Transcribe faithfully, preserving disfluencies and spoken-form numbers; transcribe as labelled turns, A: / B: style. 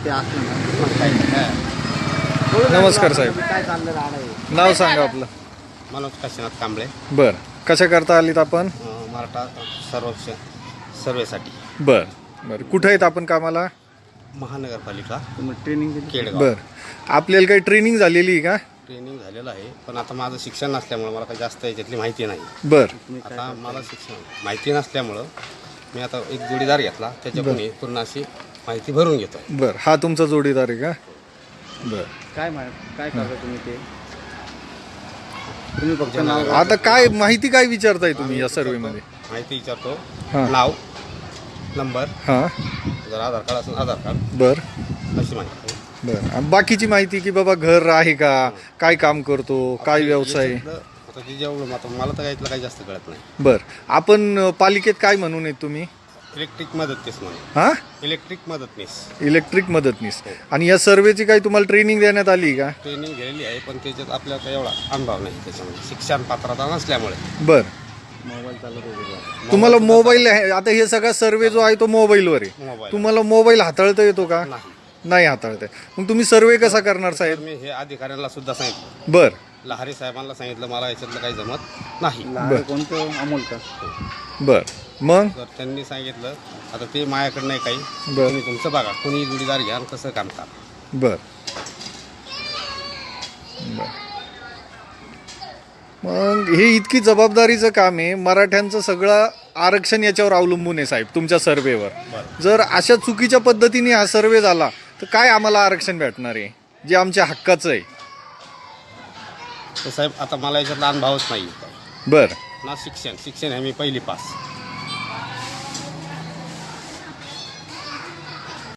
A: ते असलं ना मग काही नाही.
B: नमस्कार साहेब.
A: काय चाललं राहणार
B: नाव सांगा आपलं.
C: मनोज काशीनाथ कांबळे.
B: बर, कशा करता आलीत आपण?
C: अं, मराठा सर्वेक्षण सर्वेसाठी
B: बर बर, कुठे आहेत आपण कामाला?
C: महानगरपालिका
A: तुम्ही ट्रेनिंग दिली?
C: केडगाव.
B: बर, आपल्याला काही ट्रेनिंग झालेली आहे का?
C: ट्रेनिंग झालेलं आहे, पण आता माझं शिक्षण नसल्यामुळं मला काही जास्त याच्यातली माहिती नाही.
B: बर
C: आता मला शिक्षण माहिती नसल्यामुळं मी आता एक जोडीदार घेतला, त्याच्याकडून ही पूर्ण अशी माहिती भरून घेतो.
B: बर, हा तुमचा जोडीदार आहे का? बर,
A: काय मा- काय करता तुम्ही ते? तुम्ही फक्त नाव
B: आता काय माहिती काय विचारताय तुम्ही या सर्वेमध्ये?
C: माहिती विचारतो,
B: हां.
C: नाव, नंबर,
B: हां.
C: जर आधार कार्ड असेल आधार कार्ड,
B: बर
C: अशी माहिती.
B: बर, आणि बाकीची माहिती की बाबा घर आहे का, काय काम करतो, काय व्यवसाय?
C: याच्यातलं आता ते जेवढं आता मला तर यातलं काही जास्त कळत नाही.
B: बर, आपण अ, पालिकेत काय म्हणून आहेत तुम्ही?
C: इलेक्ट्रिक मदतनीस म्हणून.
B: हा,
C: इलेक्ट्रिक मदतनीस
B: इलेक्ट्रिक मदतनीस. आणि या सर्वेची काही तुम्हाला ट्रेनिंग देण्यात आली का?
C: ट्रेनिंग घेतलेली आहे, पण त्याच्यात आपल्याला काही एवढा अनुभव नाही त्याच्यामध्ये, शिक्षण पात्रता नसल्यामुळे.
B: बर,
A: मोबाईल चालत होते.
B: तुम्हाला मोबाईल आहे, आता हे सगळा सर्वे जो आहे तो मोबाईलवर आहे.
C: मोबाईल
B: तुम्हाला मोबाईल हाताळता येतो का?
C: नाही.
B: नाही हाताळता येत. मग तुम्ही सर्वे कसा करणार
C: तर
B: साहेब?
C: मी हे अधिकाऱ्यांना सुद्धा सांगितलं,
B: बर
C: लहारी साहेबांना सांगितलं, मला याच्यातलं काही जमत नाही.
A: लहान कोणतं अमोल का?
B: बर, मग
C: तर त्यांनी सांगितलं आता ते माझ्याकडे नाही काही,
B: बर
C: तुम्ही तुमचं बघा, कोणी जोडीदार घ्या आणि कसं काम करा.
B: बर बर. मग हे इतकी जबाबदारीचं काम आहे, मराठ्यांचं सगळं आरक्षण याच्यावर अवलंबून आहे साहेब, तुमच्या सर्वेवर. जर अशा चुकीच्या पद्धतीने हा सर्वे झाला तर काय आम्हाला आरक्षण भेटणार आहे जे आमच्या हक्काचं आहे?
C: तर साहेब आता मला याच्यातला अनुभवच नाही.
B: बर
C: ना शिक्षण शिक्षण आहे मी पहिली पास.